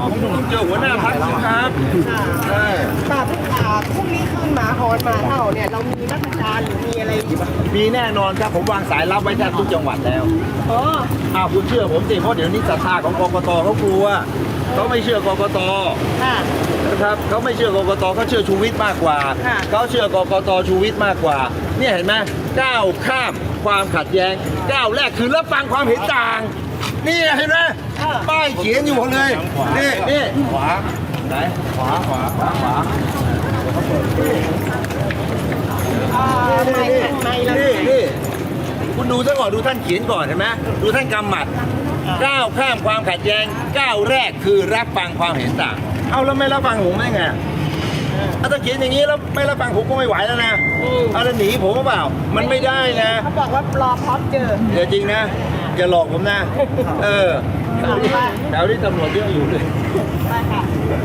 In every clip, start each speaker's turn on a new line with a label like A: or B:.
A: เจอหัวหน้าพรรคครับใช่
B: แบบพรุ่งนี้คืนหมาหอนหมาเห่าเนี่ยเรามีมาตรการหรือมีอะไรอีกบ้าง
A: มีแน่นอนครับผมวางสายรับไว้แทบทุกจังหวัดแล้ว
B: อ๋อ
A: คุณเชื่อผมสิเพราะเดี๋ยวนี้ศรัทธาของกกตเขากลัวเขาไม่เชื่อกกต
B: ค่ะ
A: นะครับเขาไม่เชื่อกกตเขาเชื่อชูวิทย์มากกว่า
B: ค่ะ
A: เขาเชื่อกกตชูวิทย์มากกว่าเนี่ยเห็นไหมก้าวข้ามความขัดแย้งก้าวแรกคือรับฟังความเห็นต่างนี่เห็นไหมป้ายเขียนอยู่เลยนี่ขวาไหนขวานี่คุณดูซะก่อนดูท่านเขียนก่อนเห็นไหมดูท่านกำหมัดก้าวข้ามความขัดแย้งก้าวแรกคือรับฟังความเห็นต่างเอาแล้วไม่รับฟังผมได้ไงถ้าเขียนอย่างนี้แล้วไม่รับฟังผมก็ไม่ไหวแล้วนะเอาแล้วหนีผมเปล่ามันไม่ได้นะ
B: เขาบอกว่ารอพร้อมเจอ
A: เดี๋ยวจริงนะอย่าหลอกผมนะแถวที่ตำรวจเยอะอยู่เลย
B: ไปค่ะ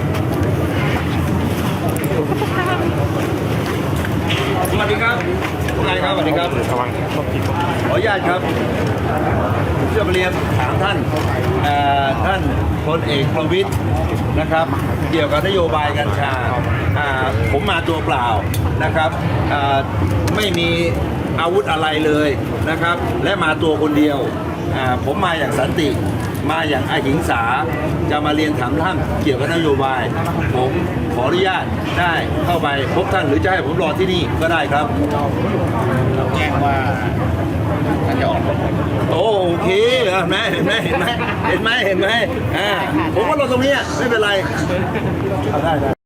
A: สวัสดีครับคุณนายครับสวัสดีครับขออนุญาตครับเชื่อเรียนถามท่านท่านพลเอกประวิตรนะครับเกี่ยวกับนโยบายกัญชาผมมาตัวเปล่านะครับไม่มีอาวุธอะไรเลยนะครับและมาตัวคนเดียวผมมาอย่างสันติมาอย่างอหิงสาจะมาเรียนถามท่านเกี่ยวกับนโยบายผมขออนุญาตได้เข้าไปพบท่านหรือจะให้ผมรอที่นี่ก็ได้ครับแจ้งว่าท่านจะออกโอเคเห็นไหมผมว่ารอตรงนี้ไม่เป็นไรได้